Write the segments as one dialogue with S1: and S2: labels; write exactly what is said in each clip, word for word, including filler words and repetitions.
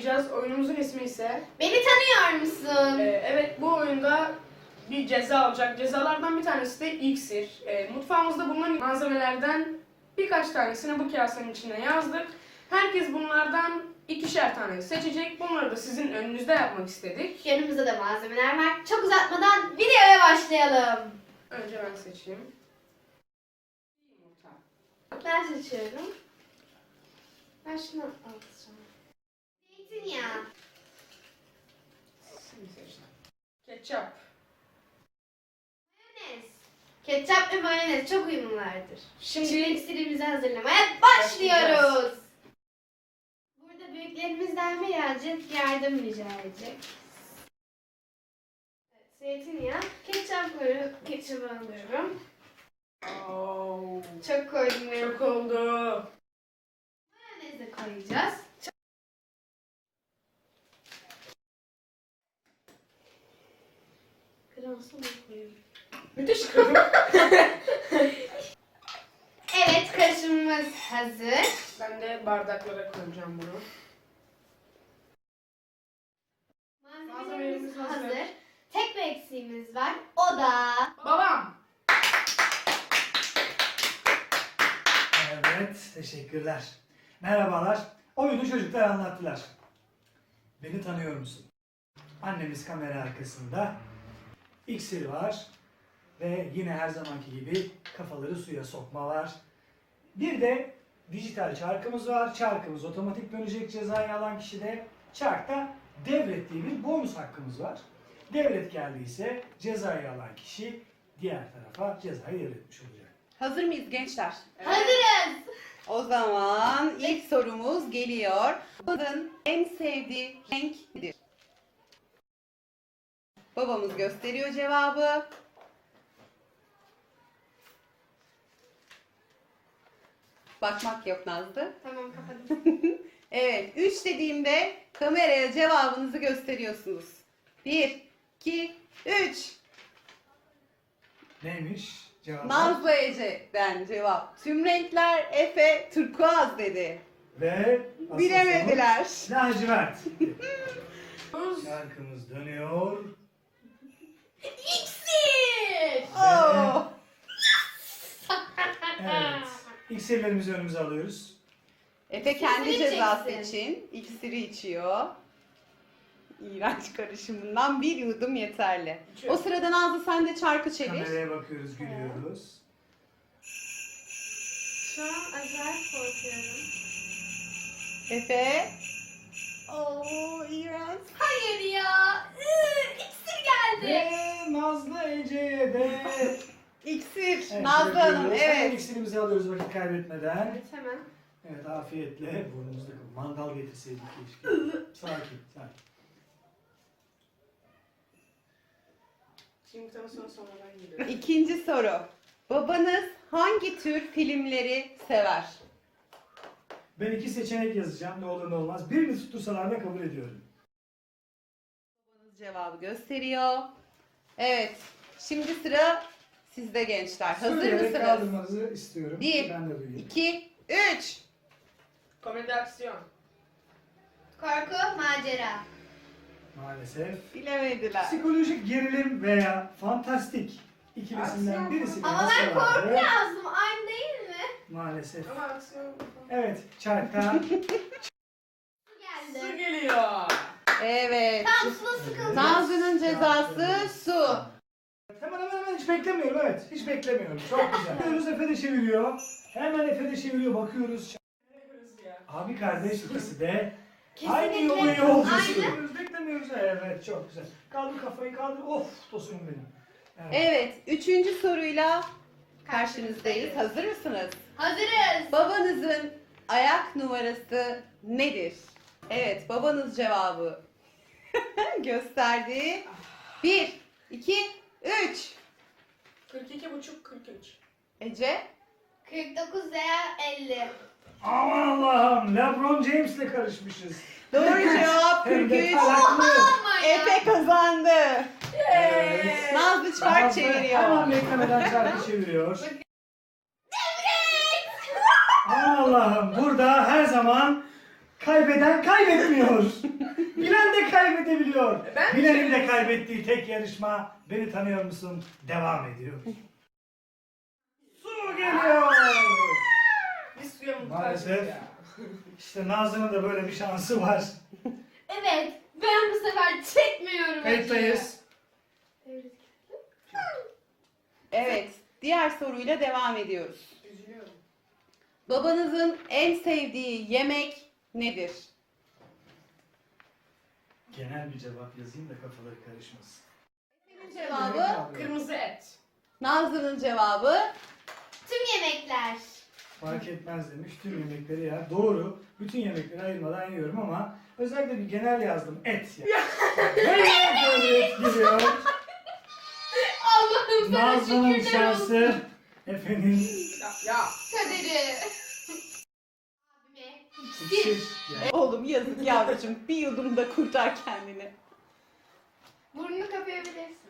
S1: oynayacağız. Oyunumuzun ismi ise...
S2: Beni tanıyor musun?
S1: Ee, evet, bu oyunda bir ceza olacak. Cezalardan bir tanesi de iksir. Ee, mutfağımızda bulunan malzemelerden birkaç tanesini bu kasenin içine yazdık. Herkes bunlardan ikişer tane seçecek. Bunları da sizin önünüzde yapmak istedik.
S2: Yanımızda da malzemeler var. Çok uzatmadan videoya başlayalım.
S1: Önce ben seçeyim. Yumurta.
S2: Ben seçiyorum. Ben şunu alacağım. Zeytinyağı.
S1: Sen seçtin. Ketçap.
S2: Mayonez. Ketçap ve mayonez çok uyumlulardır.
S1: Şimdi-
S2: Şimdi iksirimizi hazırlamaya başlıyoruz. Burada büyüklerimizden birazcık yardım rica edecek. Evet, zeytinyağı. Ketçap koyuyorum. Ketçabı alıyorum.
S1: Oo,
S2: Çok koydum ya.
S1: çok oldu.
S2: Mayonez de koyacağız. Kırmızı mı koyuyorum?
S1: Müthiş kızım.
S2: Evet, karışımımız hazır.
S1: Ben de bardaklara koyacağım bunu.
S2: Malzemelerimiz
S1: Malzemelerimiz hazır.
S2: hazır. Tek bir eksiğimiz var. O da...
S1: Babam.
S3: Evet, teşekkürler. Merhabalar. Oyunu çocuklar anlattılar. Beni tanıyor musun? Annemiz kamera arkasında. İksir var. Ve yine her zamanki gibi kafaları suya sokma var. Bir de dijital çarkımız var. Çarkımız otomatik dönecek cezayı alan kişide. Çarkta devrettiği bir bonus hakkımız var. Devret geldiyse cezayı alan kişi diğer tarafa cezayı devretmiş olacak.
S4: Hazır mıyız gençler?
S2: Hazırız.
S4: O zaman ilk sorumuz geliyor. Babanın en sevdiği renk nedir? Babamız gösteriyor cevabı. Bakmak yok Nazlı.
S2: Tamam, kapadım.
S4: Evet, üç dediğimde kameraya cevabınızı gösteriyorsunuz. bir, iki, üç.
S3: Neymiş cevap?
S4: Nazlı Ece'den cevap. Tüm renkler Efe turkuaz dedi.
S3: Ve asıl
S4: Bilemediler.
S3: sonuç lacivert. Şarkımız dönüyor.
S2: İksir.
S4: Oo.
S3: Evet. İksirlerimizi önümüze alıyoruz.
S4: Efe kendi
S2: İksiri
S4: cezası
S2: içeceksin.
S4: için iksiri içiyor. İğrenç karışımından bir yudum yeterli.
S1: İçiyor.
S4: O sırada Nazlı sen de çarkı çevir.
S3: Kameraya bakıyoruz, gülüyoruz.
S2: Şu an acayip korkuyorum.
S4: Efe. Oo iğrenç.
S2: Hayır ya. Iı, İksir geldi.
S3: Ve Nazlı Ece'ye de...
S4: İksir.
S3: Evet,
S4: Nazlı
S3: bırakıyoruz.
S4: Hanım
S3: Hemen
S4: evet.
S3: iksirimizi alıyoruz vakit kaybetmeden.
S2: Evet, hemen.
S3: Evet, afiyetle. Burnumuzda mandal getirseydik keşke. Sakin, sakin.
S1: Şimdi tam sonra sonradan geliyorum.
S4: İkinci soru. Babanız hangi tür filmleri sever?
S3: Ben iki seçenek yazacağım. Ne olur ne olmaz. Birini tuttursalar da kabul ediyorum.
S4: Babanız cevabı gösteriyor. Evet. Şimdi sıra sizde gençler. Hazır
S3: Söyleyerek
S4: mısınız?
S3: kaldırmanızı istiyorum.
S4: Bir,
S3: Ben de duyayım.
S4: iki, üç.
S1: Komedi aksiyon.
S2: Korku, macera.
S3: Maalesef.
S4: Bilemediler.
S3: Psikolojik gerilim veya fantastik ikilisinden birisi.
S2: Ama ben korku yazdım. Aynı değil mi?
S3: Maalesef.
S1: Ama aksiyon.
S3: Evet, çarkta
S2: Su
S1: Su
S2: geldi.
S1: geliyor.
S4: Evet.
S2: Tam suda sıkıldım.
S4: Nazlı'nın cezası su.
S3: Hemen hemen hemen hiç beklemiyorum, evet. Hiç beklemiyorum. Çok güzel. Bakıyoruz, Efe de çeviriyor. Hemen Efe de çeviriyor, bakıyoruz. Abi kardeş ikisi de aynı
S2: Kesinlikle.
S3: yolu yolcusu.
S2: Aynı.
S3: Beklemiyoruz, beklemiyoruz. Evet, çok güzel. Kaldır kafayı, kaldır. Of, tosunum benim. Evet.
S4: Evet. Üçüncü soruyla karşınızdayız. Hazır mısınız?
S2: Hazırız.
S4: Babanızın ayak numarası nedir? Evet. Babanız cevabı gösterdi. Bir, iki, üç.
S1: kırk iki buçuk kırk üç.
S4: Ece.
S2: kırk dokuz veya elli.
S3: Aman Allah'ım, LeBron James'le karışmışız.
S4: Doğru cevap
S3: Hem
S4: kırk
S3: de
S4: üç.
S3: taraklı.
S2: Ama ya.
S4: Efe kazandı.
S3: Evet.
S4: Nazlı çark
S3: Nazlı
S4: çeviriyor.
S3: Hemen beklemeden çarkı çeviriyor. Aman Allah'ım, burada her zaman kaybeden kaybetmiyor. Bilen de kaybedebiliyor.
S1: E ben
S3: Bilenin de
S1: şey-
S3: kaybettiği tek yarışma Beni Tanıyor Musun devam ediyor. Su geliyor.
S1: Biz suya muhtacız
S3: Maalesef.
S1: ya.
S3: İşte Nazlı'nın da böyle bir şansı var.
S2: Evet. Ben bu sefer çekmiyorum.
S3: Kayıttayız.
S2: acıyı.
S4: Evet, diğer soruyla devam ediyoruz.
S1: Üzülüyorum.
S4: Babanızın en sevdiği yemek nedir?
S3: Genel bir cevap yazayım da kafaları karışmasın.
S4: Senin cevabı,
S1: Kırmızı et.
S4: Nazlı'nın cevabı.
S2: Tüm yemekler.
S3: Fark etmez demiş. Tüm yemekleri yer. Doğru. Bütün yemekleri ayırmadan yiyorum ama özellikle bir genel yazdım. Et ya. Ve böyle et geliyor.
S2: Allah'ım sana
S3: Nazlı'nın
S2: şükürler olsun.
S3: şansı Efe'nin
S1: Ya, ya.
S2: Kaderi. Abime.
S3: iksir. Yani.
S4: Oğlum yazık yavrucuğum, bir yudumda kurtar kendini.
S2: Burnunu kapayabilirsin.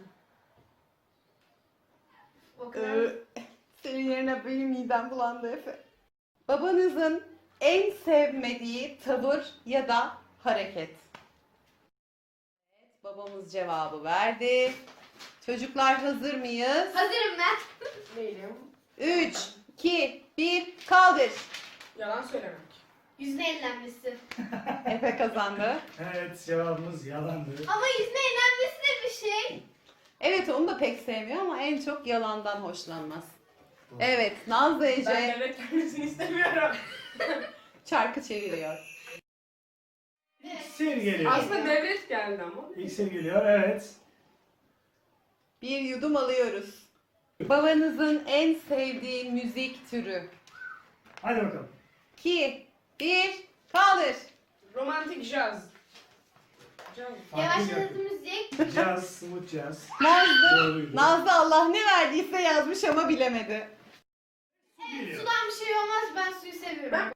S2: O kadar.
S4: Ee, senin yerine benim midem bulandı Efe. Babanızın en sevmediği tavır ya da hareket. Evet, babamız cevabı verdi. Çocuklar hazır mıyız?
S2: Hazırım ben.
S1: Değilim.
S4: üç, iki, bir, kaldır.
S1: Yalan söylemek.
S2: Yüzüne ellenmesi.
S4: Efe kazandı.
S3: Evet cevabımız yalandı.
S2: Ama yüzüne ellenmesi de bir şey.
S4: Evet, onu da pek sevmiyor ama en çok yalandan hoşlanmaz. Evet, Nazlı Ece
S1: Ben devlet gelmesini istemiyorum.
S4: çarkı çeviriyor.
S3: İksir geliyor.
S1: Aslında devlet geldi ama.
S3: İksir geliyor. Evet.
S4: Bir yudum alıyoruz. Babanızın en sevdiği müzik türü.
S3: Hadi bakalım.
S4: iki, bir, kaldır.
S1: Romantik jazz. Jazz.
S2: Yavaşladı müzik.
S3: Caz, smooth caz.
S4: Nazlı,
S3: Doğruydu.
S4: Nazlı Allah ne verdiyse yazmış ama bilemedi.
S3: Geliyor.
S2: Sudan bir şey olmaz. Ben suyu seviyorum.
S1: Ben-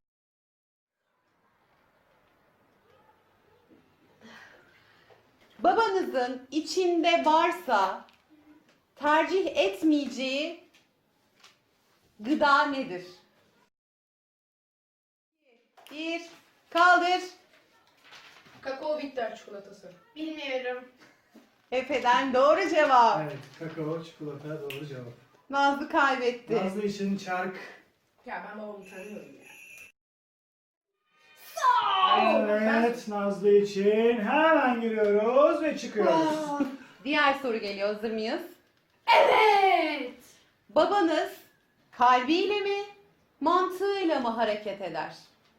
S4: Babanızın içinde varsa tercih etmeyeceği gıda nedir? Bir, kaldır.
S1: Kakao bitter çikolatası.
S2: Bilmiyorum.
S4: Efe'den doğru cevap.
S3: Evet, kakao, çikolata doğru cevap.
S4: Nazlı kaybetti.
S3: Nazlı için çark.
S1: Ya ben babamı tanıyorum ya.
S3: Evet, Nazlı için hemen giriyoruz ve çıkıyoruz.
S4: Diğer soru geliyor. Hazır mıyız?
S2: Evet.
S4: Babanız kalbiyle mi, mantığıyla mı hareket eder?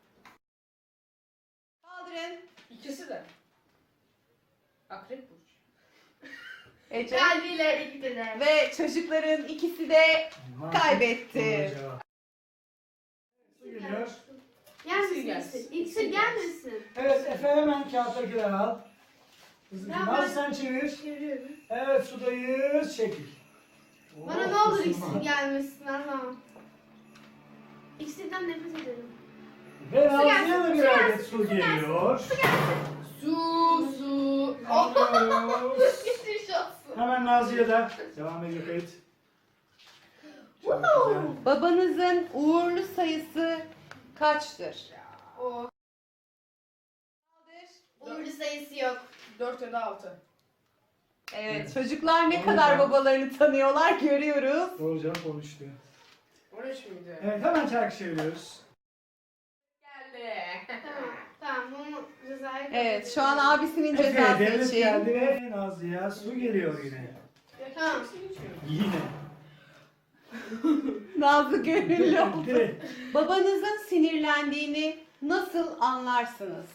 S4: Kaldırın.
S1: İkisi de. Akrep burcu.
S4: Ece.
S2: Kalbiyle hareket eder.
S4: Ve çocukların ikisi de
S3: Mantık
S4: kaybetti.
S3: doğru cevap. Su geliyor.
S2: Gelmesin
S1: gelsin.
S2: iksir. İksir gelmesin.
S3: Evet, Efe hemen kağıttakileri al. Hızlıca.
S2: Ben-
S3: Nazlı sen çevir.
S2: Çeviriyorum.
S3: Evet, sudayız. Çekil.
S2: Bana
S3: Oh,
S2: ne olur
S3: ısınma.
S2: iksir gelmesin Allah'ım. İksirden nefret ederim.
S3: Ve Nazlı'ya
S2: gelsin,
S3: da
S2: su
S3: bir
S2: gelsin,
S3: adet su geliyor.
S1: Su, su.
S3: Alıyoruz.
S2: Geçmiş olsun.
S3: Hemen Nazlı'ya da devam ediyor kayıt. Çok
S2: Wow.
S3: güzel.
S4: Babanızın uğurlu sayısı kaçtır?
S2: O.
S4: Kaldır.
S2: Uğurlu sayısı yok.
S1: Dört ya da altı.
S4: Evet,
S3: Evet.
S4: çocuklar ne
S3: Doğru
S4: kadar
S3: cevap.
S4: babalarını tanıyorlar görüyoruz.
S3: Doğru cevap olmuştu.
S1: on üç müydü?
S3: Evet, hemen çarkı çeviriyoruz.
S1: Geldi.
S2: Tamam. Tamam bunu cezaya
S4: Evet, şu an abisinin
S3: Efe,
S4: cezası
S3: devlet
S4: için.
S3: geldi ve Nazlı'ya su geliyor yine.
S2: Tamam.
S3: Yine.
S4: Nazlı gönüllü oldu.
S3: Geldi.
S4: Babanızın sinirlendiğini nasıl anlarsınız?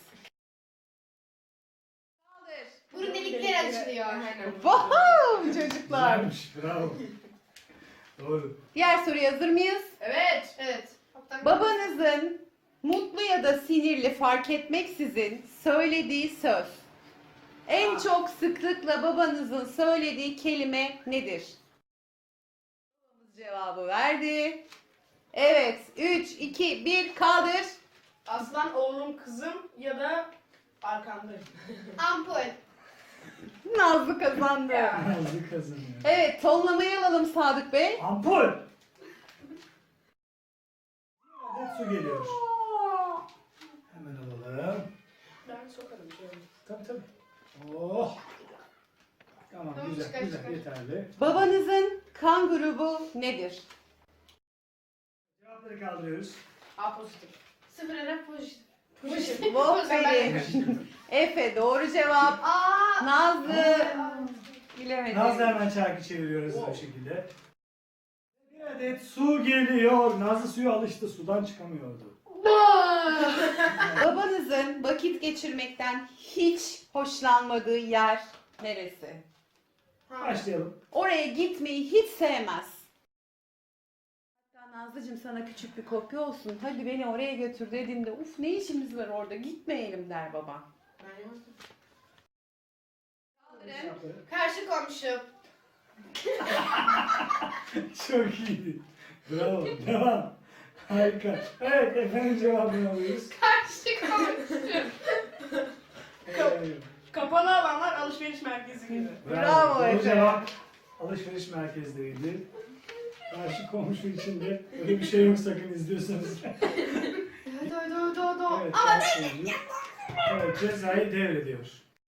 S4: Kaldır.
S2: Burun delikleri açılıyor.
S1: Aynen.
S4: Wow, çocuklar.
S3: Güzelmiş, bravo. Doğru.
S4: Diğer soruya hazır mıyız?
S1: Evet.
S2: Evet. Kaptan-
S4: Babanızın mutlu ya da sinirli fark etmeksizin söylediği söz. En
S1: Aa.
S4: çok sıklıkla babanızın söylediği kelime nedir? Babamız cevabı verdi. Evet, üç, iki, bir, kaldır.
S1: Aslan oğlum kızım ya da arkandayım.
S2: Ampul.
S4: Nazlı kazandı.
S1: Ya.
S3: Nazlı kazanıyor.
S4: Evet, tonlamayı alalım Sadık Bey.
S3: Ampul. Bir adet su geliyor. Hemen alalım.
S1: Ben sokarım şöyle.
S3: Tabii tabii. Oh. Tamam,
S1: Tamam,
S3: güzel
S1: çıkar,
S3: güzel
S1: çıkar.
S3: yeterli.
S4: Babanızın kan grubu nedir?
S3: Cevapları kaldırıyoruz.
S1: A pozitif.
S2: Sıfır ara pozitif.
S1: Pozitif.
S4: Aferin. Efe doğru cevap.
S2: Aa.
S4: Nazlı bilemedi.
S3: Nazlı hemen çarkı çeviriyoruz bu şekilde. Bir adet su geliyor. Nazlı suya alıştı. Sudan çıkamıyordu.
S4: Babanızın vakit geçirmekten hiç hoşlanmadığı yer neresi?
S3: Başlayalım.
S4: Oraya gitmeyi hiç sevmez. Hatta Nazlıcığım sana küçük bir kopya olsun. Hadi beni oraya götür dediğinde uf ne işimiz var orada gitmeyelim der baba.
S1: Ben yazdım.
S2: Kaldırın. Karşı komşu.
S3: Çok iyiydi. Bravo. Devam. Harika. Evet, efendim cevabını alıyoruz.
S2: Karşı komşu.
S3: Evet.
S1: Kapalı alanlar alışveriş merkezi gibi.
S4: Bravo
S3: Doğru
S4: Efe.
S3: cevap alışveriş merkezleriydi. Karşı komşu için de öyle bir şey yok, sakın izliyorsanız.
S2: Do do do do.
S3: Evet,
S2: Ama
S3: karşı komşu. Evet, cezayı devrediyor.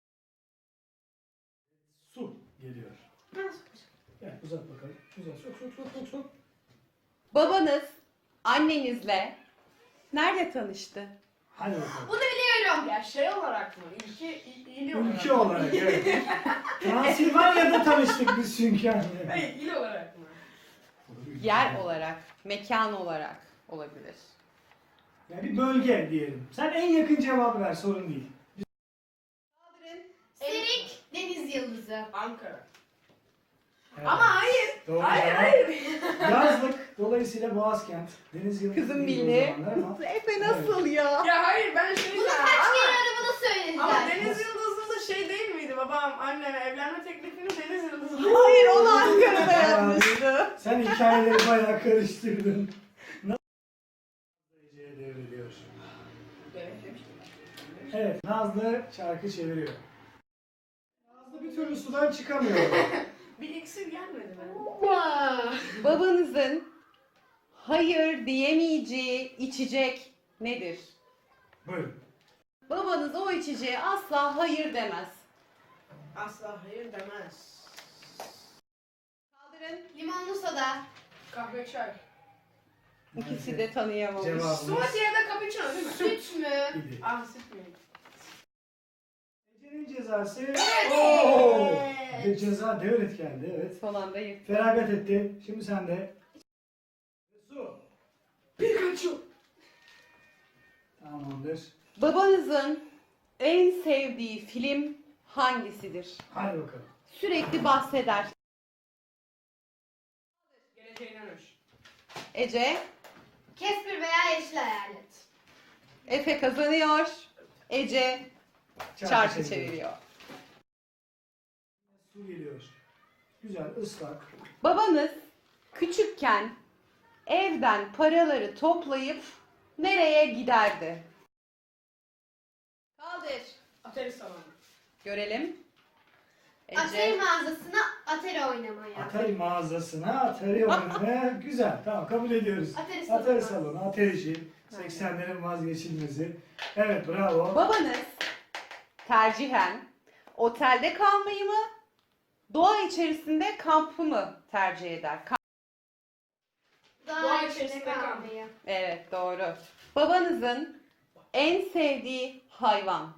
S3: Su geliyor. Gel uzat bakalım. Uzat. Sok sok sok sok sok.
S4: Babanız annenizle nerede tanıştı?
S3: Hadi bakalım.
S2: bunu biliyorum.
S1: Ya şey olarak mı? Ülke, il, il olarak
S3: Ülke
S1: mı?
S3: olarak evet. Transilvanya'da tanıştık biz çünkü anne.
S1: Hayır, il olarak mı?
S4: Yer olarak, mekan olarak olabilir.
S3: Yani bir bölge diyelim. Sen en yakın cevabı ver, sorun değil.
S4: Kaldırın.
S2: Serik deniz yıldızı.
S1: Ankara.
S3: Evet.
S1: Ama hayır.
S3: Doğru
S1: Hayır,
S3: cevap.
S1: hayır.
S3: Yazlık, dolayısıyla Boğazkent. Deniz yıldızı
S4: Kızım
S3: değil o
S4: bildi.
S3: zamanlar ama.
S4: Efe nasıl ya?
S1: Ya hayır, ben şey
S2: Bunu
S1: diyeceğim.
S2: kaç
S1: Ama,
S2: kere aramada söylediler.
S1: ama Deniz Yıldızı da şey değil miydi? Babam anneme evlenme teklifini Deniz Yıldızı.
S4: Hayır onu Ankara'da yapmıştı.
S3: Sen hikayeleri bayağı karıştırdın. Nasıl Ece'ye devrediyor?
S1: Evet, demiştim.
S3: Evet, Nazlı çarkı çeviriyor. Nazlı bir türlü sudan çıkamıyor.
S1: Bir iksir gelmedi bana.
S4: Babanızın hayır diyemeyeceği içecek nedir?
S3: Buyurun.
S4: Babanız o içeceğe asla hayır demez.
S1: Asla hayır demez.
S2: Kaldırın. Limonlu soda.
S1: Kahve çay.
S4: İkisi de tanıyamamış.
S3: Cevabımız
S1: Smoothie ya da cappuccino değil mi?
S2: Süt mü?
S3: idi.
S1: Ah, süt mü?
S3: Ece'nin cezası.
S2: Evet.
S3: Oo! Ve ceza devret geldi, evet.
S4: Son anda yırttı.
S3: Feragat etti. Şimdi sen de. Su.
S1: Pikachu.
S3: Tamamdır.
S4: Babanızın en sevdiği film hangisidir?
S3: Hadi bakalım.
S4: Sürekli bahseder.
S1: Geleceğe dönüş.
S4: Ece,
S2: Casper veya yeşil hayalet.
S4: Efe kazanıyor. Ece çarkı çeviriyor.
S3: Su geliyor. Güzel, ıslak.
S4: Babanız küçükken evden paraları toplayıp nereye giderdi? Kaldır.
S1: Atari salonu.
S4: Görelim.
S2: Atari
S4: Ece.
S2: mağazasına Atari oynamaya.
S3: Atari mağazasına, Atari oynamaya. Güzel, tamam kabul ediyoruz.
S2: Atari salonu.
S3: Atari salonu, Atarici. seksenlerin vazgeçilmezi. Evet, bravo.
S4: Babanız tercihen otelde kalmayı mı, doğa içerisinde kampı mı tercih eder? Kamp-
S2: Doğa,
S1: Doğa
S2: içinde
S1: içerisinde
S2: kalmayı.
S4: Evet, doğru. Babanızın en sevdiği hayvan?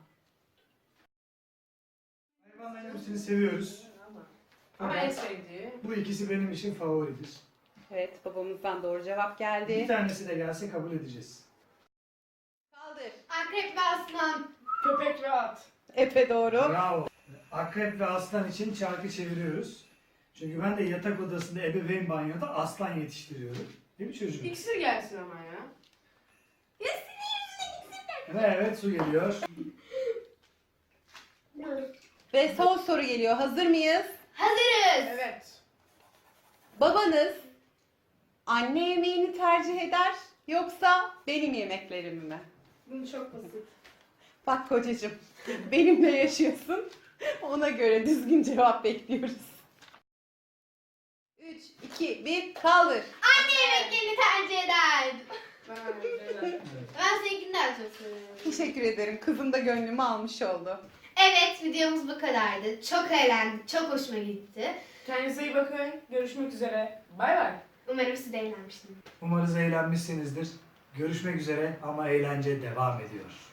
S3: Hayvanların hepsini seviyoruz.
S1: Ama en sevdiği.
S3: Bu ikisi benim için favoridir.
S4: Evet, babamızdan doğru cevap
S3: Bir
S4: geldi.
S3: tanesi de gelse kabul edeceğiz.
S4: Kaldır.
S2: Akrep ve aslan.
S1: Köpek ve at.
S4: Efe doğru.
S3: Bravo. Akrep ve aslan için çarkı çeviriyoruz. Çünkü ben de yatak odasında ebeveyn banyoda aslan yetiştiriyorum. Değil mi çocuğum?
S1: İksir gelsin ama ya.
S3: Evet, evet su geliyor.
S4: Ve son soru geliyor. Hazır mıyız?
S2: Hazırız.
S1: Evet.
S4: Babanız anne yemeğini tercih eder yoksa benim yemeklerimi mi?
S2: Bunu çok basit.
S4: Bak kocacığım, benimle yaşıyorsun. Ona göre düzgün cevap bekliyoruz. üç, iki, bir, kaldır.
S2: Anne yemeklerini tercih eder.
S1: Ben öyle şeyler.
S3: Evet.
S2: Ben seninkini daha çok seviyorum.
S4: Teşekkür ederim. Kızım da gönlümü almış oldu.
S2: Evet, videomuz bu kadardı. Çok eğlendik, çok hoşuma gitti.
S1: Kendinize iyi bakın. Görüşmek üzere. Bay bay.
S2: Umarım siz de eğlenmişsiniz.
S3: Umarız eğlenmişsinizdir. Görüşmek üzere ama eğlence devam ediyor.